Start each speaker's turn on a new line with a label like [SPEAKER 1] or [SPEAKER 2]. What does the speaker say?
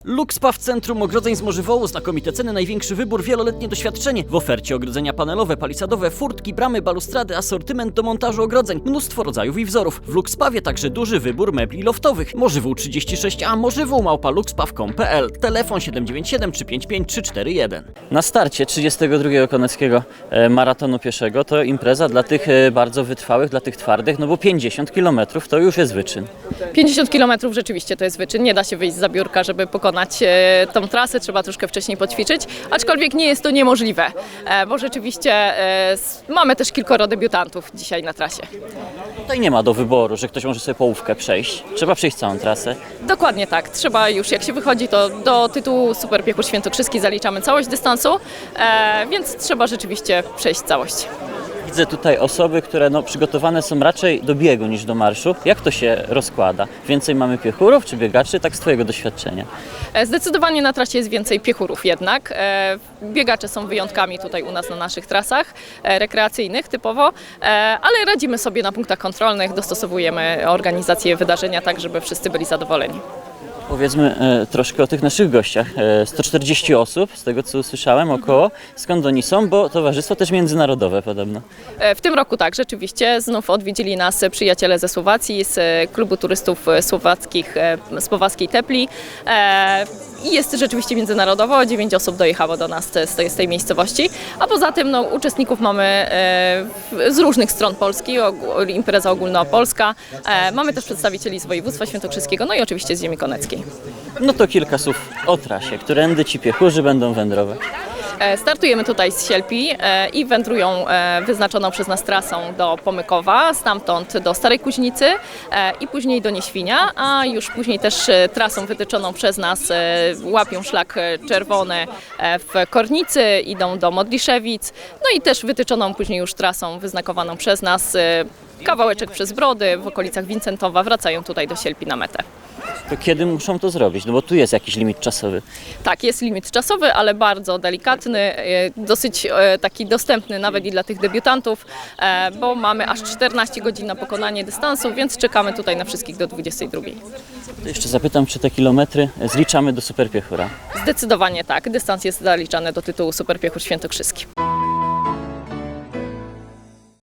[SPEAKER 1] Luxpa w centrum ogrodzeń z Morzywołu, znakomite ceny, największy wybór, wieloletnie doświadczenie. W ofercie ogrodzenia panelowe, palisadowe, furtki, bramy, balustrady, asortyment do montażu ogrodzeń, mnóstwo rodzajów i wzorów. W Luxpawie także duży wybór mebli loftowych. Morzywół 36A, morzywół@luxpaw.pl, telefon 797 355 341. Na starcie 32 Koneckiego Maratonu Pieszego to impreza dla tych bardzo wytrwałych, dla tych twardych, no bo 50 km to już jest wyczyn.
[SPEAKER 2] 50 km rzeczywiście to jest wyczyn, nie da się wyjść z zabiórka, żeby pokonać tą trasę, trzeba troszkę wcześniej poćwiczyć, aczkolwiek nie jest to niemożliwe, bo rzeczywiście mamy też kilkoro debiutantów dzisiaj na trasie.
[SPEAKER 1] Tutaj nie ma do wyboru, że ktoś może sobie połówkę przejść, trzeba przejść całą trasę.
[SPEAKER 2] Dokładnie tak, trzeba już jak się wychodzi, to do tytułu Super Piechur Świętokrzyski zaliczamy całość dystansu, więc trzeba rzeczywiście przejść całość.
[SPEAKER 1] Widzę tutaj osoby, które przygotowane są raczej do biegu niż do marszu. Jak to się rozkłada? Więcej mamy piechurów czy biegaczy? Tak z Twojego doświadczenia.
[SPEAKER 2] Zdecydowanie na trasie jest więcej piechurów jednak. Biegacze są wyjątkami tutaj u nas na naszych trasach rekreacyjnych typowo, ale radzimy sobie na punktach kontrolnych, dostosowujemy organizację wydarzenia tak, żeby wszyscy byli zadowoleni.
[SPEAKER 1] Powiedzmy troszkę o tych naszych gościach. 140 osób, z tego co usłyszałem, około. Skąd oni są? Bo towarzystwo też międzynarodowe podobno.
[SPEAKER 2] W tym roku tak, rzeczywiście. Znów odwiedzili nas przyjaciele ze Słowacji, z klubu turystów słowackich Słowackiej Tepli. I jest rzeczywiście międzynarodowo, 9 osób dojechało do nas z tej miejscowości, a poza tym uczestników mamy z różnych stron Polski, impreza ogólnopolska. Mamy też przedstawicieli z województwa świętokrzyskiego, no i oczywiście z ziemi koneckiej.
[SPEAKER 1] No to kilka słów o trasie, którędy ci piechurzy będą wędrować.
[SPEAKER 2] Startujemy tutaj z Sielpi i wędrują wyznaczoną przez nas trasą do Pomykowa, stamtąd do Starej Kuźnicy i później do Nieświnia, a już później też trasą wytyczoną przez nas łapią szlak czerwony w Kornicy, idą do Modliszewic, no i też wytyczoną później już trasą wyznakowaną przez nas kawałeczek przez Brody w okolicach Wincentowa wracają tutaj do Sielpi na metę.
[SPEAKER 1] To kiedy muszą to zrobić? No bo tu jest jakiś limit czasowy.
[SPEAKER 2] Tak, jest limit czasowy, ale bardzo delikatny, dosyć taki dostępny nawet i dla tych debiutantów, bo mamy aż 14 godzin na pokonanie dystansu, więc czekamy tutaj na wszystkich do 22.
[SPEAKER 1] To jeszcze zapytam, czy te kilometry zliczamy do Super Piechura?
[SPEAKER 2] Zdecydowanie tak, dystans jest zaliczany do tytułu Super Piechur Świętokrzyski.